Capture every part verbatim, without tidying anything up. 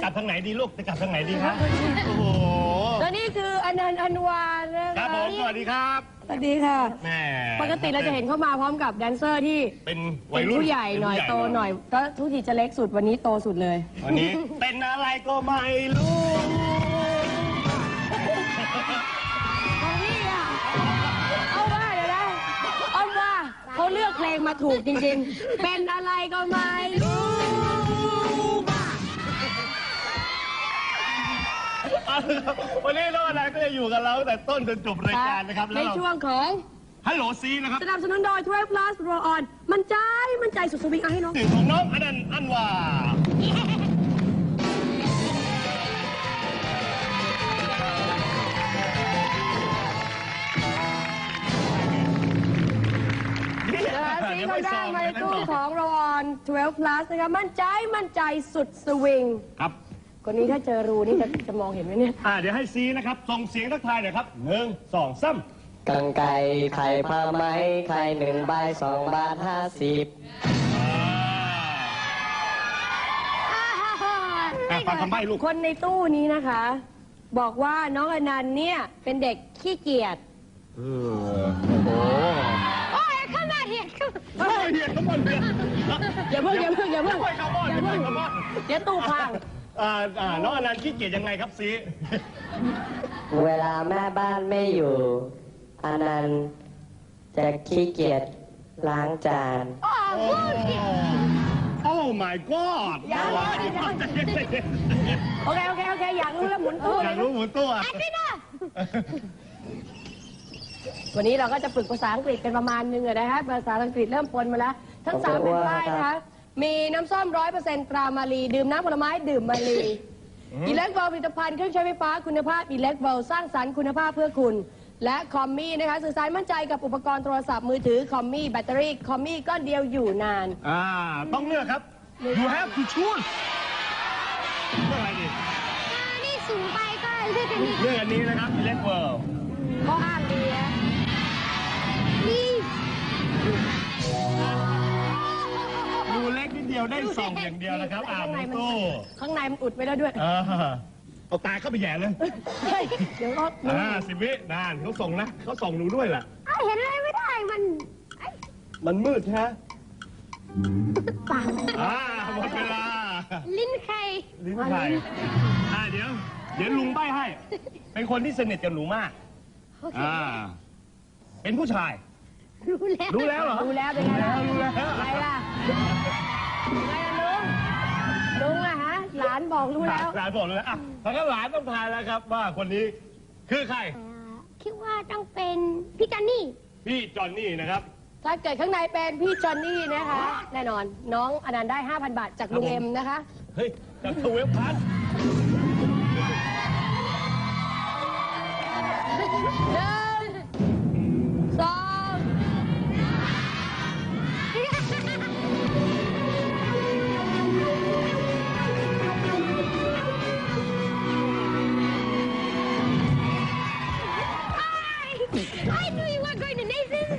ลับทางไหนดีลูกจะกลับทางไหนดีครับโอ้โหแล้วนี่คืออนันต์อันวานะครับผมสวัสดีครับสวัสดีค่ะแม่ปกติเราจะเห็นเข้ามาพร้อมกับแดนเซอร์ที่เป็นวัยรุ่นผู้ใหญ่หน่อยโตหน่อยก็ทุกทีจะเล็กสุดวันนี้โตสุดเลยวันนี้เป็นอะไรก็ไม่รู้ของพี่อ่ะเอาว่าเดี๋ยวนะอ้อมว่าเขาเลือกเพลงมาถูกจริงๆเป็นอะไรก็ไม่รู้วันนี้น้องอนันต์ก็จะอยู่กับเราแต่ต้นจนจบรายการนะครับในช่วงของฮัลโหลซีนะครับสนับสนุนโดยทเวลพลัสโรออนมันใจมันใจสุดสวิงเอาให้น้องถึงของน้องอนันต์อันวานี่เขาได้มาในตู้ของโรออนทเวลพลัสนะครับมั่นใจมั่นใจสุดสวิงครับคนนี้ถ้าเจอรูนี่จะจะมองเห็นไหมเนี่ยอ่าเดี๋ยวให้ซีนะครับส่งเสียงทักทายหน่อยครับหนึ่งสองสามกังไก่ไข่ผ้าไหมไข่หนึ่งใบสองบาทห้าสิบฟังคำใบ้ลูกคนในตู้นี้นะคะ บอกว่าน้องอนันต์เนี่ยเป็นเด็กขี้เกียจเออโอ้โหโอ้ยข้างหน้าเหียดข้างหน้าเหียดข้างบนเหียดอย่าเพิ่งอย่าเพิ่งอย่าเพิ่งอย่าเพิ่งอย่าเพิ่งเดี๋ยวตู้พังอ่าอ่าน้องอนันต์ขี้เกียจยังไงครับซีเวลาแม่บ้านไม่อยู่อนันต์จะขี้เกียจล้างจานโอ้โอ้ my god อย่าโอเคโอเคโอเคอยากรู้แล้วหมุนตู้อยากรู้หมุนตู้อ่ะวันนี้เราก็จะฝึกภาษาอังกฤษกันประมาณนึงนะคะภาษาอังกฤษเริ่มปนมาแล้วทั้งสามเป็นป้ายนะคะมีน้ำส้มร้อยเปอร์เซ็นต์ตรามาลีดื่มน้ำผลไม้ดื่มมาลีอิเล็กโบผลิตภัณฑ์เครื่องใช้ไฟฟ้าคุณภาพอิเล็กโบสร้างสรรค์คุณภาพเพื่อคุณและคอมมี่นะคะสื่อสารมั่นใจกับอุปกรณ์โทรศัพท์มือถือคอมมี่แบตเตอรี่คอมมี่ก้อนเดียวอยู่นานอ่าต้องเลือกครับ you have to choose เลือกอะไรดีนี่สูงไปก็เลือกอันนี้เลือกอันนี้นะครับอิเล็กโบก็อ้างดีนะนี่ดูเล็กนิดเดียวได้ส่องอย่างเดียวนะครับอ่าในตู้ข้างในมันอุดไว้แล้วด้วยเอาตาเข้าไปแย่เลยเดี๋ยวก็อ่าสิบวินานเขาส่งนะเขาส่องหนูด้วยแหละเห็นอะไรไม่ได้มันมันมืดฮะปากอ่าหมดเวลาลิ้นไข่ลิ้นไข่อ่าเดี๋ยวเดี๋ยวลุงใบ้ให้เป็นคนที่สนิทกับหนูมากอ่าเป็นผู้ชายรู้แล้วรู้แล้วเหรอรู้แล้วเป็นไงล่ะรู้แล้วอะไรล่ะไงล่ะลุงลุงอะฮะหลานบอกรู้แล้วหลานบอกเลยอ่ะถ้างั้นหลานต้องทายแล้วครับว่าคนนี้คือใครคิดว่าต้องเป็นพี่จอนนี่พี่จอนนี่นะครับถ้าเกิดข้างในเป็นพี่จอนนี่นะคะแน่นอนน้องอนันต์ได้ ห้าพัน บาทจากลุงเอ็มนะคะเฮ้ยจากทเวลพัสหนึ่งสองI knew you were going to Nathan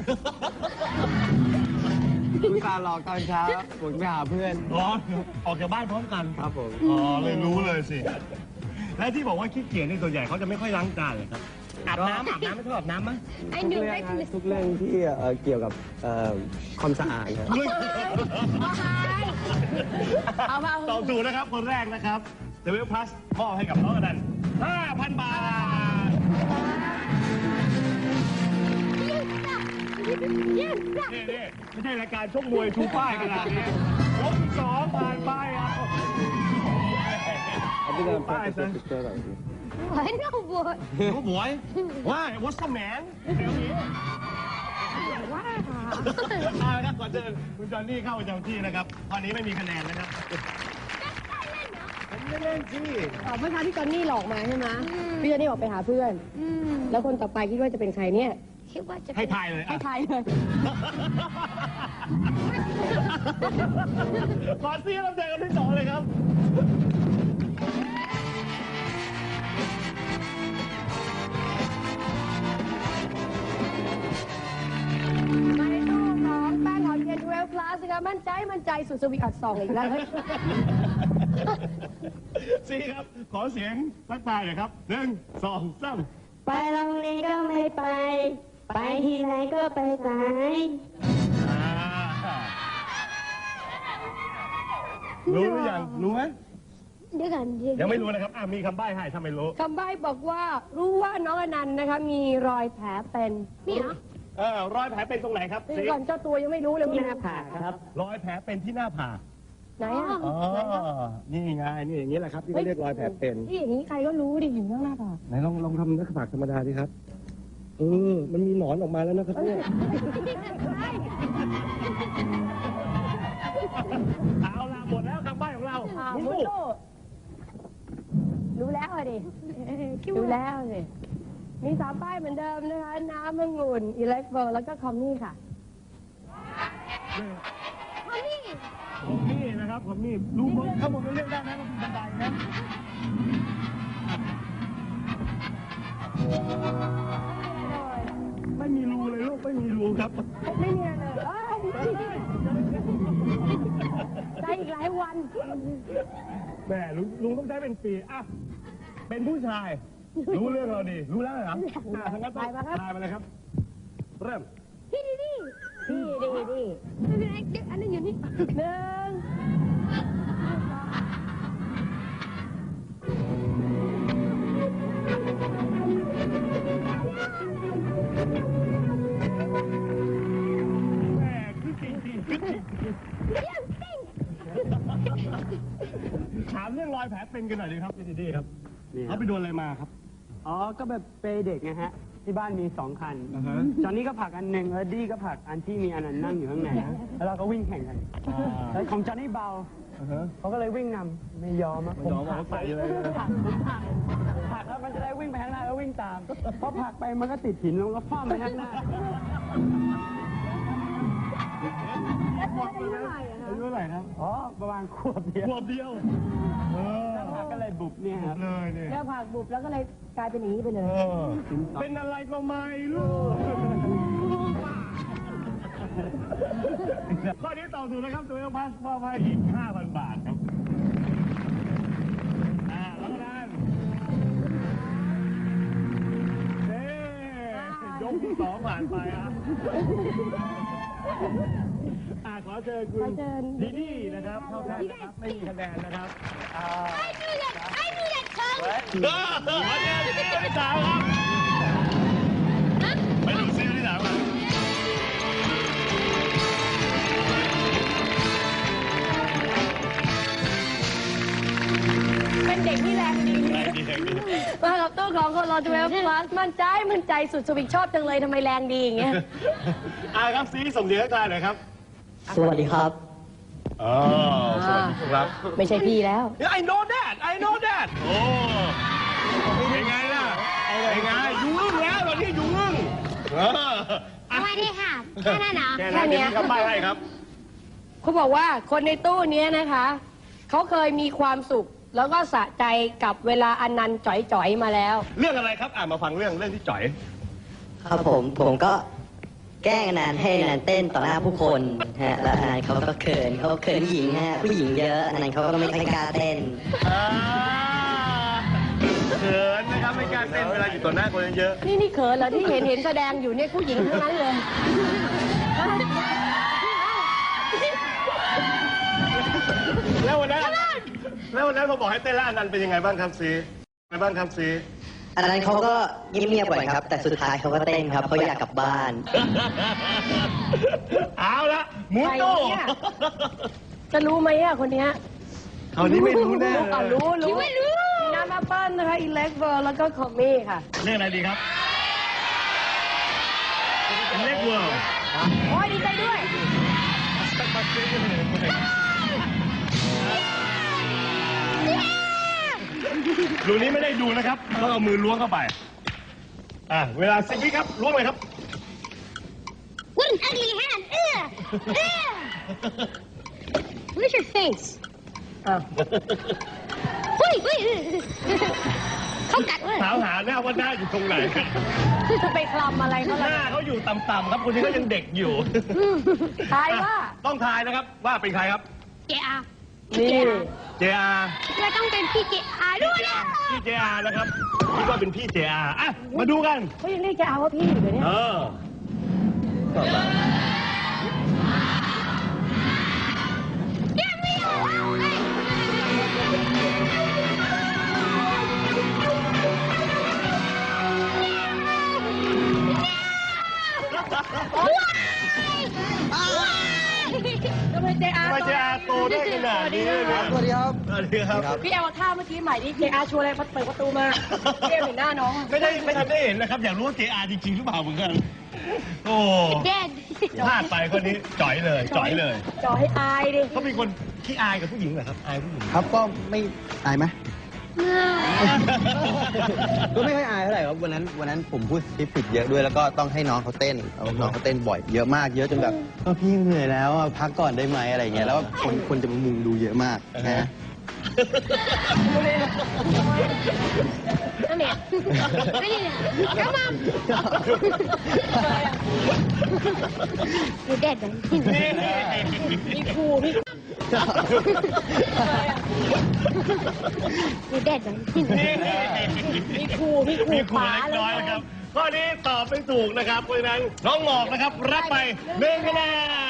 คุณตาหลอกตอนเช้าผมไปหาเพื่อนอ๋อออกจากบ้านพร้อมกันครับผมอ๋อเลยรู้เลยสิและที่บอกว่าขี้เกียจในส่วนใหญ่เขาจะไม่ค่อยล้างจานเลยครับอาบน้ำอาบน้ำไม่ชอบอาบน้ำมั้ยทุกเรื่องทุกเรื่องที่เกี่ยวกับความสะอาดครับตอบถูกนะครับคนแรกนะครับเดวิลพลัสมอบให้กับน้องอนันต์ ห้าพัน บาทนี่นี่ไม่ใช่รายการชกมวยชูป้ายขนาดนี้ยกสองผ่านไปอ่ะเอาไปเดินป้ายซะ Why no boy? No boy? Why? What's the man? ว้าวเอาละครับก่อนเดินคุณจอนนี่เข้าประจำที่นะครับตอนนี้ไม่มีคะแนนนะครับผมไม่เล่นสิอ๋อเมื่อเช้าที่จอนนี่หลอกมาใช่ไหมพี่จอนนี่บอกไปหาเพื่อนแล้วคนต่อไปคิดว่าจะเป็นใครเนี่ยคิดว่าจะให้ทายเลยให้ทายเลยขอซีรับใจกันที่สองเลยครับมาในตู้ของแป้งหอมเย็นทเวลพลัสนะคะมั่นใจมั่นใจสุดสวีอัดซองอีกแล้วซีครับ ขอเสียงทักทายหน่อยครับหนึ่งสองสามไปโรงเรียนก็ไม่ไป ไปที่ไหนก็ไปสายอ่ารู้หรือยังรู้ไหมเดี๋ยวกันเดี๋ยวยังไม่รู้นะครับอ่ะมีคำใบ้ให้ถ้าไม่รู้คำใบ้บอกว่ารู้ว่าน้องอนันต์นะคะมีรอยแผลเป็นนี่เหรอเออรอยแผลเป็นตรงไหนครับเดี๋ซียวก่อนเจ้าตัวยังไม่รู้เลยที่ว่าหน้าผากครับรอยแผลเป็นที่หน้าผากไหนอ่ะอ๋อนี่ไงนี่อย่างนี้แหละครับที่เขาเรียกรอยแผลเป็นที่อย่างนี้ใครก็รู้ดิอยู่ข้างหน้าผากไหนลองลองทำหน้าผากธรรมดาดิครับเออมันมีหนอนออกมาแล้วนะครับเนี่ยเอาล่ะหมดแล้วคำใบ้ของเราอ่ามุมุกโตรู้แล้วอะดิรู้แล้วสิมีสามป้ายเหมือนเดิมนะคะน้ำองุ่นอิเล็กโบแล้วก็คอมมี่ค่ะคอมมี่ผมนี่นะครับผมนี่รู้บนข้างบนมันเรียกได้นะมันเป็นบันไดนะไม่มีรูเลยลูกไม่มีรูครับไม่มีอะไรเลยเอ้ยใจอีกหลายวันแม่ลุงลุงต้องใช้เป็นปีอ่ะเป็นผู้ชาย รู้เรื่องเราดี รู้แล้วเหรออ่ะทั้างนั้นต้องทายมาเลยครับ เริ่มพี่ดีดีพี่ดีดีไม่เป็นไรเดี๋ยวอันนั้นอยู่นี่หนึ่งแม่คือจริงจริงคือจริงถามเรื่องรอยแผลเป็นกันหน่อยดีครับพี่ดีครับเขาไปโดนอะไรมาครับอ๋อ ก็แบบเปย์เด็กนะฮะ ที่บ้านมีสองคันอ่าฮะจอนนี่ก็ผลักอันหนึ่งแล้วดี้ก็ผลักอันที่มีอันนั้นนั่งอยู่ข้างในนะแล้วเราก็วิ่งแข่งกันแล้วของจอนนี่เบาอ่าฮะเขาก็เลยวิ่งนำไม่ยอมอะไม่ยอมผลัเอาใส่เลยผลักผมผลักผลักแล้วมันจะได้วิ่งไปข้างหน้าแล้ววิ่งตามพอผลักไปมันก็ติดหินแล้วมันก็ฟ้ามไปข้างหน้าอายุเท่าไหร่ครับอ๋อ ประมาณขวบเดียวขวบเดียว เออแล้วผลักก็เลยบุบเนี่ยครับเลยเนี่ยแล้วผักบุบแล้วก็เลยกลายเป็นอย่างนี้ไปเลเอย อเป็นอะไรก็ไม่รู้ข้อนี้ตอบถูกนะครับตัวเองพัสมอบให้อีก ห้าพัน บาทครับ อ่าแล้วกันเด้ยกที่สองผ่านไปอ่ะอ่าขอเชิญคุณดีดีนะครับเข้าแทนนะครับไม่มีคะแนนนะครับอ่า I knew that tongue เออมาเจอที่ตัวที่สามครับไปดูซิที่สามครับเป็นเด็กที่แรงดีแรงดีแรงดีมากับตู้ของคนรอดูแลพลัสมั่นใจมั่นใจสุดสวิงชอบจังเลยทำไมแรงดีอย่างเงี้ยอ่าครับซีส่งเสียงทักทายหน่อยครับสวัสดีครับอ๋อสวัสดีครับไม่ใช่พี่แล้ว I know that I know that โอ้เป็นไงล่ะเป็นไงอยู่อึ้งแล้วตอนนี้อยู่อึ้งเออสวัสดีค่ะแค่นั้นเหรอแค่นั้นเดี๋ยวมีคำใบ้ให้ครับเขาบอกว่าคนในตู้เนี้ยนะคะเขาเคยมีความสุข แล้วก็สะใจกับเวลาอนันต์จ่อยๆมาแล้วเรื่องอะไรครับอ่ามาฟังเรื่องเรื่องที่จ่อยครับผมผมก็แกล้งอนันต์ให้อนันต์เต้นต่อหน้าผู้คนฮะแล้วอนันต์เขาก็เขินเขาเขินหญิงฮะผู้หญิงเยอะอนันต์เขาก็ไม่ค่อยกล้าเต้นอ่าเขินนะครับไม่กล้าเต้นเวลาอยู่ต่อหน้าคนเยอะนี่นี่เขินเหรอที่เห็นเห็นแสดงอยู่เนี่ยผู้หญิงทั้งนั้นเลยแล้ววันนั้นแล้ววันนั้นพอบอกให้เต้นแล้วอนันต์เป็นยังไงบ้างครับซีเป็นไงบ้างครับซีอันนั้นเขาก็เงียบๆก่อนครับ แต่สุดท้ายเขาก็เต้นครับเขาอยากกลับบ้านเอาละหมูโตใครเนี่ย จะรู้ไหมอะคนเนี้ยเขาวนี้ไม่รู้แน่เลยอ่ะรู้รู้ไม่รู้มีน้ำแอปเปิ้ลนะคะอิเล็กเวอร์แล้วก็คอมมี่ค่ะเรื่องอะไรดีครับเล็กเวิร์โอ้ยดีใจด้วยรูนี้ไม่ได้ดูนะครับต้องเอามือล้วงเข้าไป อ่ะ เวลาสิบวิครับ ล้วงเลยครับ What an ugly hand! Ugh! Ugh! Where's your face? อ้าว Wait, wait! เขากัดเว้ยถามหาหน้าว่าหน้าอยู่ตรงไหนจะไปคลำอะไรเขาหล่ะน้าเขาอยู่ต่ำๆครับ คนนี้ก็ยังเด็กอยู่ทายว่าต้องทายนะครับ ว่าเป็นใครครับ Yeah. นี่เจอาร์เราต้องเป็นพี่เจอาด้วยนะพี่เจอาร์นะครับคิดว่าเป็นพี่เจอาร์อ่ะมาดูกันเขายังเรียกจะเอาว่าพี่อยู่เลยเนี่ยเออยังไม่เอาทำไมเจอาทำไมเจอาร์โตได้ขนาดนี้เลยเนี่ยสวัสดีครับสวัสดีครับพี่เอาท่าเมื่อกี้ใหม่ที่เจอาชวนอะไรเปิดประตูมาเรียกเห็นหน้าน้องไม่ได้ไม่ทันได้เห็นนะครับ อยากรู้ว่าเจอาร์จริงๆหรือเปล่าเหมือนกัน โอ้เด็ดพลาดไปคนนี้จ่อยเลยจ่อยเลยจอให้อายดิเขาเป็นคนขี้อายกับผู้หญิงเหรอครับอายผู้หญิงครับก็ไม่อายไหม ก็ไม่ค่อยอายเท่าไหร่ครับวันนั้นวันนั้นผมพูดคลิปผิดเยอะด้วยแล้วก็ต้องให้น้องเขาเต้นเอาน้องเขาเต้นบ่อยเยอะมากเยอะจนแบบเออพี่เหนื่อยแล้วอ่ะพักก่อนได้ไหมอะไรเงี้ยแล้วคนคนจะมามุงดูเยอะมากนะนั่นเนี่ยนี่กำลังดูเด็ดเลยมีครูพี่ดูเด็ดเลยมีครูพี่ครูมีครูป๋าเล็กเลน้อยยนะครับข้อนี้ตอบไม่ถูกนะครับเพราะฉะนั้นน้องหมอกนะครับรับไปหนึ่งคะแน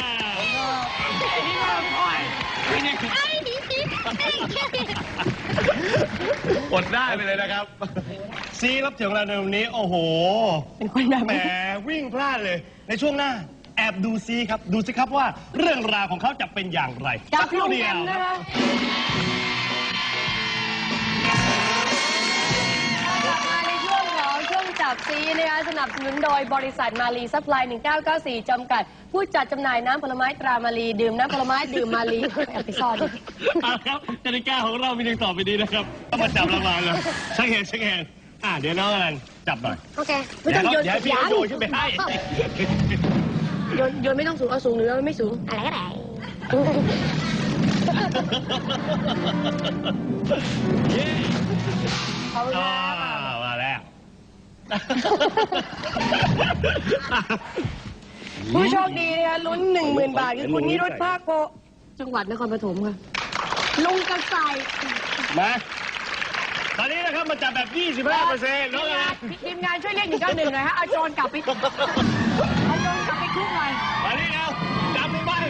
นอดได้ไปเลยนะครับซีรับเสียงของเราในวันนี้โอ้โหเป็นคนแบบแหมวิ่งพลาดเลย ในช่วงหน้าแอบดูซีครับ ดูสิครับว่าเรื่องราวของเขาจะเป็นอย่างไรจับครู่ลุงเดีแอยวมนะคะกลับมาในช่วงของช่วงจับซีนะคะสนับสนุนโดยบริษัทมาลีซัพพลายหนึ่งเก้าเก้าสี่จำกัด ผู้จัดจำหน่ายน้ำผลไม้ตรามาลีดื่มน้ำผลไม้ดื่มมาลีแอบไปซ่อนเอาละครับกติกาของเรามีดังต่อไปนี้นะครับต้องมาจับรางวัลเลยเช็คแฮนด์เช็คแฮนด์อ่ะเดี๋ยวน้องอนันต์จับหน่อยโอเคไม่ต้องโยนเดี๋ยวให้พี่เขาโยนขึ้นไปให้โยนโยนไม่ต้องสูงเอาสูงหรือไม่สูงอะไรก็ได้ขอบคุณอ่าครับมาแล้วผู้โชคดีนะคะลุ้นหนึ่งหมื่นบาทคือคุณนิรุตภาคโพจังหวัดนครปฐมค่ะลุงกระใสมาตอนนี้นะครับมาจับแบบ ยี่สิบห้าเปอร์เซ็นต์น้องอนันต์ทีมงานช่วยเรียกหนึ่งเก้าหนึ่งหน่อยฮะเอาโจรกลับไปเอาโจรกลับไปคุกหน่อยมานี่แล้วจับลงไป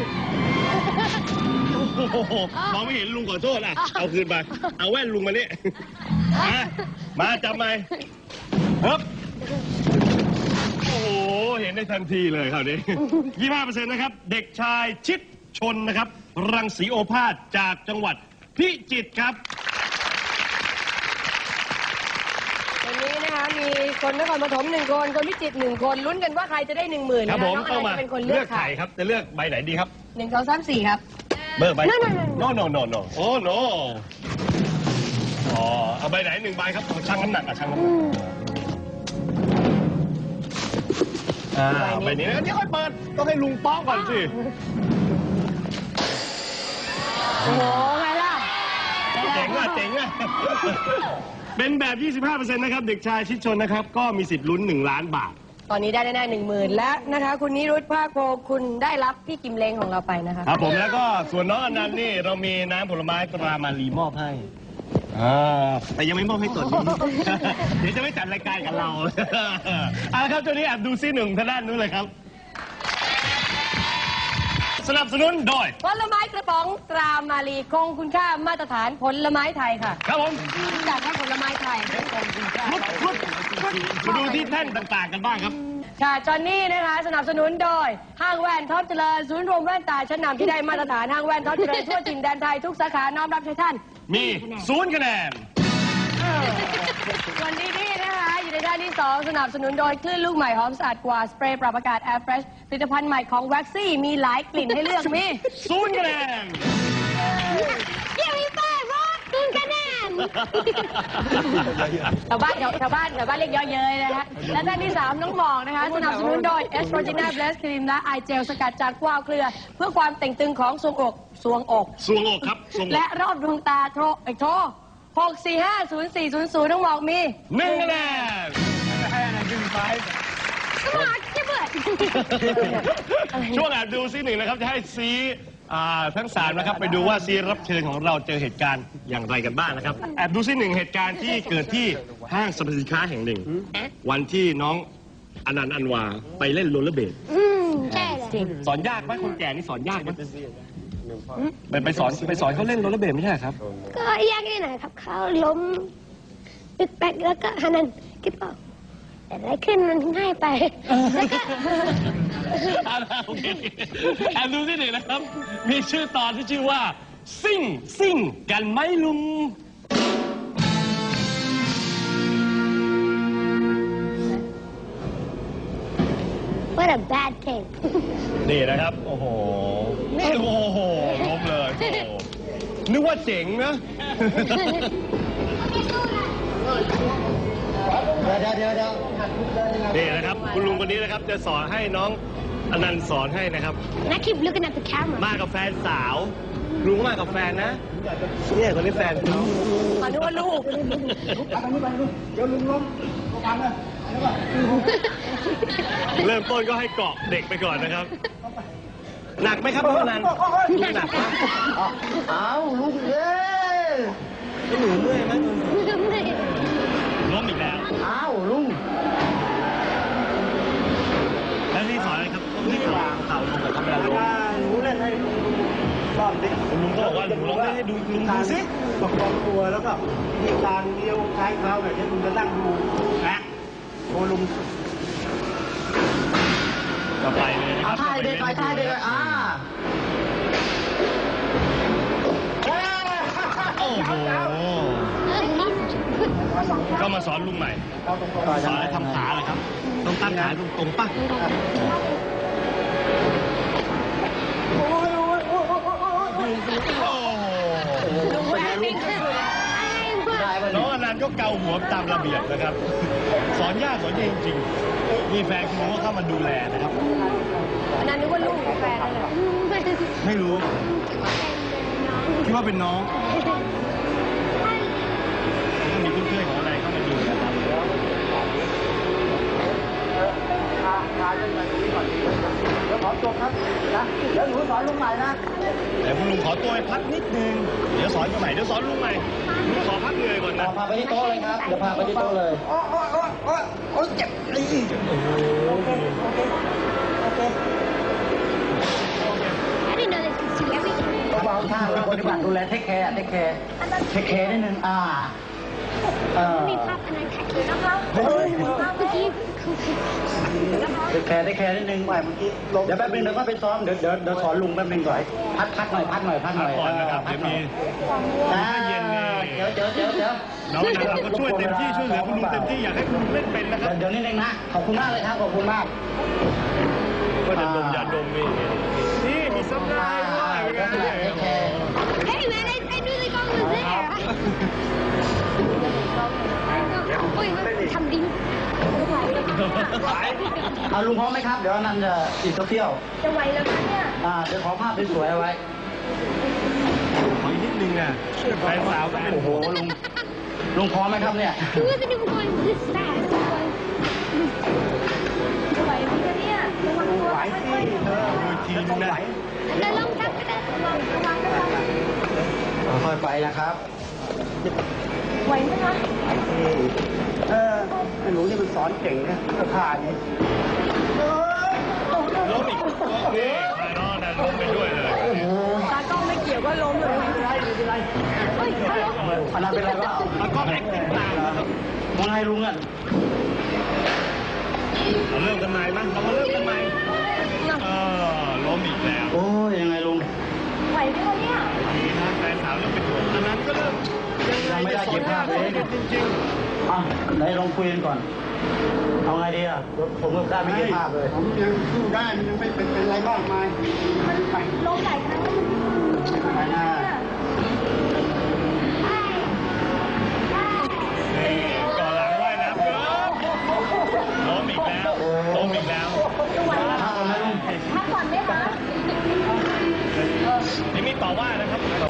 โอ้โหมองไม่เห็นลุงขอโทษอ่ะเอาคืนไปเอาแว่นลุงมานี่มามาจับไหมครับ โอ้โห เห็นได้ทันทีเลยคราวนี้ ยี่สิบห้าเปอร์เซ็นต์นะครับ เด็กชายชิดชนนะครับ รังสีโอภาสจากจังหวัดพิจิตรครับวันนี้นะคะมีคนนครปฐมหนึ่งคนคนพิจิตรหนึ่งคนลุ้นกันว่าใครจะได้หนึ่งหมื่นครับนะผคะมน้องเข้าอะไรมาจะเป็นคนเลืเลืออก กค่ะไข่ครับ จะเลือกใบไหนดีครับหนึ่งสองสามสี่ครับเบอร์ใบนั่นๆโนโนโนโนโอ้โนอ๋อ เอาใบไหนหนึ่งใบครับชั่งน้ำหนักอ่ะชั่งน้ำหนักอ่าใบนี้นะเดี๋ยวค่อยเปิด ต้องให้ลุงป้องก่อนสิโอ้โหไงล่ะเจ๋งอ่ะเจ๋งอ่ะ เป็นแบบ ยี่สิบห้าเปอร์เซ็นต์ นะครับ เด็กชายชิดชนนะครับ ก็มีสิทธิ์ลุ้นหนึ่งล้านบาทตอนนี้ได้แน่ๆหนึ่งหมื่นและนะคะ คุณนิรุตภาคโพคุณได้รับพี่กิมเลงของเราไปนะคะครับผมแล้วก็ส่วนน้องอนันต์นี่เรามีน้ำผลไม้ตรามารีมอบให้อ่าแต่ยังไม่มอบให้ตนนี้ เดี๋ยวจะไม่จัดรายการกับเรา เอาละครับตัวนี้แอบดูซีหนึ่งทางด้านนู้นเลยครับ สนับสนุนโดยผลไม้กระป๋องตรามาลีคงคุณค่ามาตรฐานผลไม้ไทยค่ะครับผมจากให้ผลไม้ไทยคงคุณค่ารุดรุดมาดูที่แท่นต่างๆกันบ้างครับค่ะจอนนี่นะคะสนับสนุนโดยห้างแว่นท็อปเจริญศูนย์รวมแว่นตาชั้นนำที่ได้มาตรฐานห้างแว่นท็อปเจริญทั่วถิ่นแดนไทยทุกสาขาน้อมรับใช้ท่านมีศูนย์คะแนนส่วนดีนี่นะคะอยู่ในด้านที่สองสนับสนุนโดยคลื่นลูกใหม่หอมสะอาดกว่าสเปรย์ปรับอากาศ Air Fresh ผลิตภัณฑ์ใหม่ของแว็กซี่มีหลายกลิ่นให้เลือกมีศูนย์คะแนนเยี่ยมอีป้ารอดคุณคะแนนชาวบ้านแถวชาวบ้านแถวบ้านเรียกเยอะเย้ยนะฮะและด้านที่สามน้องหมอกนะคะสนับสนุนโดยเอสโตรจีน่าเบสครีมและไอเจลสกัดจากกวาวเครือ เพื่อความเต่งตึงของทรวงอกทรวงอกสวงอกครับสวงอกและรอบดวงตาโทรไอ้โทรหกสี่ห้าศูนย์สี่ศูนย์ศูนย์น้องหมอกมีหนึ่งคะแนนก็มาจะเบิดช่วงแอบดูซีหนึ่งนะครับ จะให้ซีอ่าทั้งสามนะครับไปดูว่าซีรับเชิญของเราเจอเหตุการณ์อย่างไรกันบ้างนะครับแอบดูซิหนึ่งเหตุการณ์ที่เกิดที่ห้างสรรพสินค้าแห่งหนึ่ง วันที่น้องอนันต์อันวาไปเล่นโรลเลอร์เบดอืมใช่เลยสอนยากไหมคนแก่นี่สอนยากไหมไปไปสอนไปสอนเขาเล่นโรลเลอร์เบดไม่ใช่เหรอครับก็ยากนิดหน่อยครับเขาล้มตึกแปกแล้วก็ฮันนันคิดว่าแต่อะไรขึ้นมันง่ายไปแล้วก็อ่าโอเคแอบดูที่หนึ่งนะครับ มีชื่อตอนที่ชื่อว่า ซิ่งซิ่งกันไหมลุง what a bad thing นี่นะครับ โอ้โห นี่โอ้โหล้มเลยโอ้โหนึกว่าเจ๋งนะเดี๋ยวเดี๋ยวเดี๋ยวนี่นะครับ คุณลุงคนนี้นะครับ จะสอนให้น้องอนันต์สอนให้นะครับ and I keep looking at the camera มากับแฟนสาว ลุงก็มากับแฟนนะ เนี่ยคนนี้แฟนเขามาดูว่าลูกเริ่มต้นก็ให้เกาะเด็กไปก่อนนะครับ หนักไหมครับน้องอนันต์หนักไหมอ้าวลูกเอ้ยหนูเมื่อยไหมล้มอีกแล้วอ้าวลุงแล้วที่สอนอะไรครับต้องให้วางเข่าลงกับเขาเวลาล้มหนูเล่นให้รอบดิคุณลุงก็บอกว่าหนูลองเล่นให้ดูลุงดูสิประคองตัวแล้วก็มีการเลี้ยวคล้ายเท้าแบบนี้ลุงจะนั่งดูนะโอ้ลุงก็ไปเลยนะครับท่ายเด็กไปท่ายเด็กอ่าโอ้โหก็มาสอนลุงใหม่สอนให้ทำขาเลยครับ ต้องตั้งขาตรงๆป่ะลุงแอบวิ่งน้องอนันต์ก็เกาหัวตามระเบียบนะครับ สอนยากสอนเองจริงๆมีแฟนคุณลุงก็เข้ามาดูแลนะครับอันนั้นนึกว่าลูกกับแฟนนั่นแหละไม่รู้ คิดว่าเป็นน้องก็มีเพื่อนๆของอะไรเข้ามาดูนะครับขอจบครับนะเดี๋ยวหนูสอนลุงใหม่นะเดี๋ยวคุณลุงขอตัวไปพักนิดนึง เดี๋ยวสอนกันใหม่ เดี๋ยวสอนลุงใหม่ลุงขอพักเหนื่อยก่อนนะพาไปที่โต๊ะเลยครับ เดี๋ยวพาไปที่โต๊ะเลย โอ้โอ้โอ้โอ้โอ้เจ็บเลยโอ้โหโอเค โอเค I didn't know they could see everything เบาๆท่าปฏิบัติดูแลเทคแคร์เทคแคร์เทคแคร์นิดนึงอ่าเออมีภาพอันนั้นแท็กซี่นะคะเมื่อกี้เทคแคร์เทคแคร์นิดนึงไปเมื่อกี้เดี๋ยวแป๊บนึงเดี๋ยวก็ไปซ้อม เดี๋ยวเดี๋ยวเดี๋ยวสอนลุงแป๊บนึงก่อนพักพักหน่อยพักหน่อยพักหพัน่กอยก่อนนะครับพัเดี๋กยวหน่มีอยอ่าเย็นนี่เดี๋ยวเดี๋ยวเดี๋ยวเดี๋ยวน้องอนันต์เราก็ช่วยเต็มที่ช่วยเหลือคุณลุงเต็มที่อยากให้คุณลุงเล่นเป็นนะครับเดี๋ยวนิดนึงนะ ขอบคุณมากเลยครับ ขอบคุณมากก็จะดมยาดมนี่ไงนี่มีซับไลน์ด้วยเป็นไงโอ้โห Hey man I I knew the gong was there โอ้ยทำดิ้งเอาลุงพร้อมไหมครับ เดี๋ยวนันจะอีกสักเที่ยวจะไหวแล้วคะเนี่ยอ่าเดี๋ยวขอภาพสวยๆเอาไว้ขออีกนิดนึงอ่ะแฟนสาวก็เป็นโอ้โหลุง ลุงพร้อมไหมครับเนี่ย He wasn't even going this fast จะไหวไหมคะเนี่ยระวังตัวค่อยๆดูทีนึงนะแต่ลองทับก็ได้ระวังระวังระวังค่อยๆไปนะครับไหวไหมคะเออไอ้หนูนี่มันสอนเก่งนะก็ผ่านนี่ล้มอีกนี่ใครน้องอนันต์ล้มไปด้วยเลยตากล้องไม่เกี่ยวก็ล้มเลยเฮ้ยฮัลโหลอันนั้นเป็นไรวะแล้วก็แอคติ้งตามนะครับมองไงลุงอ่ะเราเริ่มกันใหม่มั้ยเรามาเริ่มกันใหม่เออล้มอีกแล้วโอ้ยยังไงลุงไหวไหมคะเนี่ยทีนี้แฟนสาวเริ่มเป็นห่วงอันนั้นก็เริ่มยังไงจะสอนยากเลยจริงอ่ะไหนลองคุยกันก่อน เอาไงดีอ่ะ ผมก็ได้ไม่เก็บภาพเลยผมยังสู้ได้มันยังไม่เป็นเป็นไรบ้างไหมไปล้มหลายครั้งแล้วมันไปหน้าๆนี่ก่อนหลังว่ายน้ำเยอะล้มอีกแล้วล้มอีกแล้วภาพเอาไหมลุงพักก่อนไหมคะนี่มีต่อว่านะครับต่อ